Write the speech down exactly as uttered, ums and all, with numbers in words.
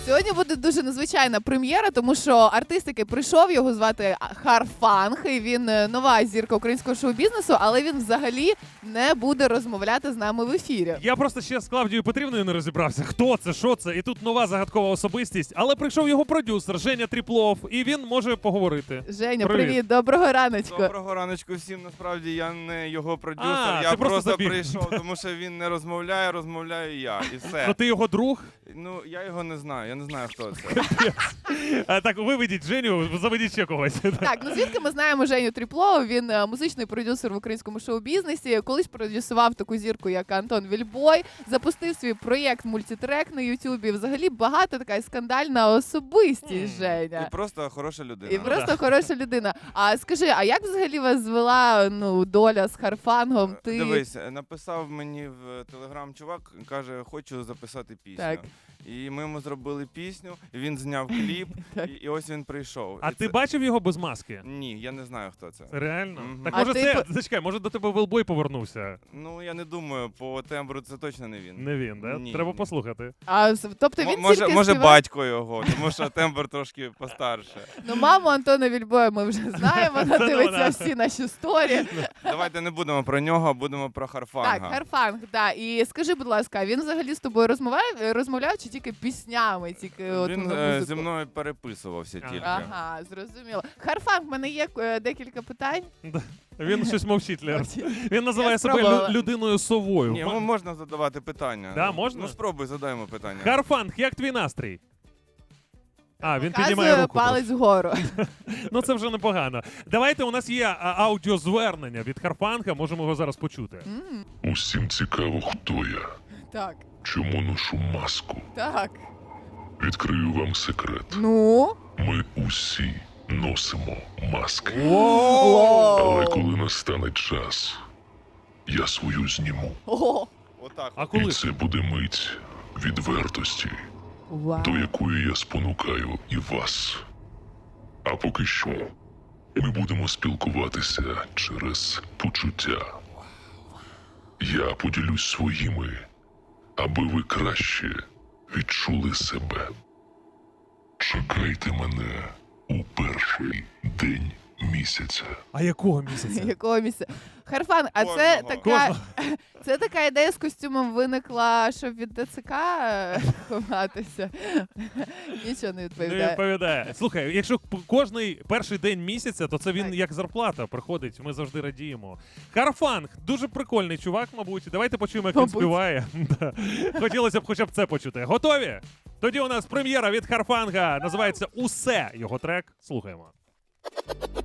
Сьогодні буде дуже незвичайна прем'єра, тому що артист, який прийшов, його звати Харфанг, і він нова зірка українського шоу-бізнесу, але він взагалі не буде розмовляти з нами в ефірі. Я просто ще з Клавдією Петрівною не розібрався, хто це, що це, і тут нова загадкова особистість, але прийшов його продюсер Женя Тріплов, і він може поговорити. Женя, Привіт. привіт, доброго раночку. Доброго раночку всім. Насправді я не його продюсер, А, я ти просто просто забіг. прийшов, тому що він не розмовляє, розмовляю я, і все. Ну ти його друг? Ну, я його не знаю, я не знаю, хто це. А, так, виведіть Женю, заведіть ще когось. Так, ну звідки ми знаємо Женю Тріплова? Він е, музичний продюсер в українському шоу-бізнесі. Колись продюсував таку зірку, як Антон Вільбой, запустив свій проєкт мультитрек на Ютубі. Взагалі багато така скандальна особистість, Женя. І просто хороша людина. І просто хороша людина. А скажи, а як взагалі вас звела ну доля з Харфангом? Ти Дивись, написав мені в телеграм чувак, каже, хочу записати пісню. Так. І ми йому зробили пісню, він зняв кліп, Так. і, і ось він прийшов. А І ти це- бачив його без маски? Ні, я не знаю, хто це. Реально? Мгм. Так А може ти це, по- зачекай, може до тебе Вилбой повернувся? Ну, я не думаю, по тембру це точно не він. Не він, да? Ні, Треба ні. послухати. а з- тобто М- він може, тільки може співає? батько його, тому що тембр трошки постарше. Ну, маму Антона Вільбоя ми вже знаємо, вона Це дивиться вона. всі наші сторі. Давайте не будемо про нього, а будемо про Харфанга. Так, Харфанг, да. І скажи, будь ласка, він взагалі з тобою розмовляє, розмовляв чи тільки піснями, тільки от Він на е, музику? зі мною переписувався Ага. тільки. Ага, зрозуміло. Харфанг, в мене є е, декілька питань. Він щось мовчить, Лер. Він називає Я себе спробувала. лю- людиною совою. Ні, ну, можна задавати питання. Да, можна? Ну спробуй, задаємо питання. Харфанг, як твій настрій? А, він піднімає Показує руку. палець вгору. Ну це вже непогано. Давайте, у нас є а, аудіозвернення від Харфанга, можемо його зараз почути. М, Усім цікаво, хто я, Так, чому ношу маску. так. Відкрию вам секрет. Ну? Ми усі носимо маски. О! Але коли настане час, я свою зніму. О! Отак. А І коли? це буде мить відвертості, Вау. до якої я спонукаю і вас. А поки що ми будемо спілкуватися через почуття. Я поділюсь своїми, аби ви краще відчули себе. Чекайте мене у перший день місяця. А якого місяця? Якого місця? Харфан, а це Кожного. така, це така ідея з костюмом виникла, щоб від ДЦК е, ховатися? Нічого не Не відповідає. відповідає. Слухай, якщо п- кожний перший день місяця, то це він Так. як зарплата приходить, ми завжди радіємо. Харфанг, дуже прикольний чувак, мабуть. Давайте почуємо, як він Мабуть. співає. Да. Хотілося б хоча б це почути. Готові? Тоді у нас прем'єра від Харфанга. Називається «Усе» його трек. Слухаємо.